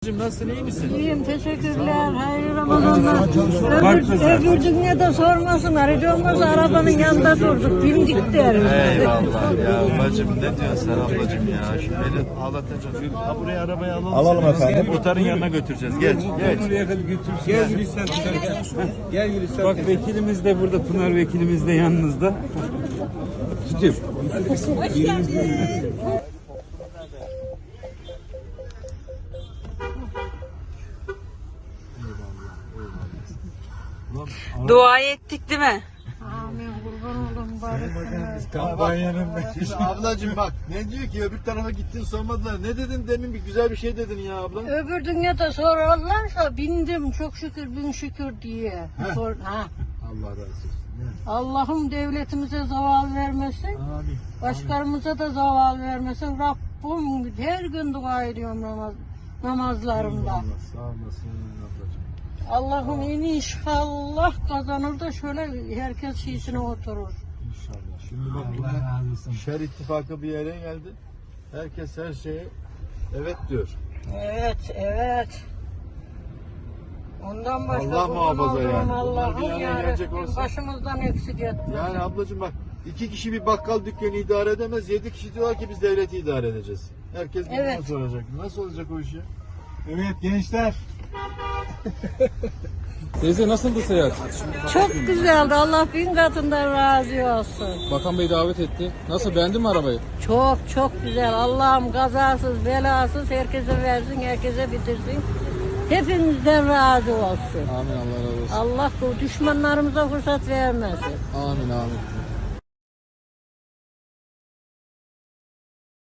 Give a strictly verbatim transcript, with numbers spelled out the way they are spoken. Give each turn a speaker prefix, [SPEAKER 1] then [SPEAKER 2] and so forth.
[SPEAKER 1] Nasılsın, iyi misin?
[SPEAKER 2] İyiyim, teşekkürler. Hayırlı Ramazanlar. Öbür, öbür dünyada sormasınlar. Hiç olmazsa arabanın yanında durduk. Bindik derim.
[SPEAKER 1] Eyvallah ya bacım, ne diyorsun sen ablacım ya? Şu beni ağlatacağız. Ha, buraya arabayı alalım.
[SPEAKER 3] Alalım efendim.
[SPEAKER 1] Muhtarın yanına götüreceğiz. Geç, geç.
[SPEAKER 4] Gel Gülistan. Gel Gülistan.
[SPEAKER 5] Bak vekilimiz de burada, Pınar vekilimiz de yanınızda. Tutayım.
[SPEAKER 2] Hoş geldin.
[SPEAKER 6] Dua ettik değil mi?
[SPEAKER 2] Amin, kurban oldum bari.
[SPEAKER 3] Kampanyanın
[SPEAKER 1] Şimdi ablacım bak, ne diyor ki öbür tarafa gittin sormadılar. Ne dedin demin, bir güzel bir şey dedin ya abla.
[SPEAKER 2] Öbür dünyada sorarlarsa bindim çok şükür bin şükür diye. Sor, ha.
[SPEAKER 1] Allah razı olsun.
[SPEAKER 2] Allah'ım devletimize zaval vermesin.
[SPEAKER 1] Amin.
[SPEAKER 2] Başkalarımıza da zaval vermesin. Rabbim her gün dua ediyorum namaz, namazlarımda.
[SPEAKER 1] Allah sağ olasın ablacım.
[SPEAKER 2] Allah'ım inşallah kazanır da şöyle herkes şiisine oturur.
[SPEAKER 1] İnşallah. Şimdi bak burada şer ittifakı bir yere geldi. Herkes her şeye evet diyor.
[SPEAKER 2] Evet, evet. Ondan başka
[SPEAKER 1] Allah
[SPEAKER 2] kurban
[SPEAKER 1] muhafaza
[SPEAKER 2] olduğum
[SPEAKER 1] yani. Bunlar bir
[SPEAKER 2] Allah'ım
[SPEAKER 1] yana
[SPEAKER 2] ya
[SPEAKER 1] gelecek
[SPEAKER 2] Rabbim
[SPEAKER 1] olsa-
[SPEAKER 2] başımızdan eksik etme.
[SPEAKER 1] Yani ablacığım bak, iki kişi bir bakkal dükkanı idare edemez. Yedi kişi diyorlar ki biz devleti idare edeceğiz. Herkes birbirini
[SPEAKER 2] Evet.
[SPEAKER 1] soracak. Nasıl olacak o iş ya?
[SPEAKER 3] Evet gençler.
[SPEAKER 5] Teyze nasıldı seyahat?
[SPEAKER 2] Çok güzeldi. Allah bin katından razı olsun.
[SPEAKER 5] Bakan Bey davet etti. Nasıl, beğendin mi arabayı?
[SPEAKER 2] Çok çok güzel. Allah'ım kazasız belasız herkese versin, herkese bitirsin. Hepinizden razı olsun.
[SPEAKER 5] Amin, Allah razı olsun.
[SPEAKER 2] Allah bu düşmanlarımıza fırsat vermesin.
[SPEAKER 5] Amin, amin.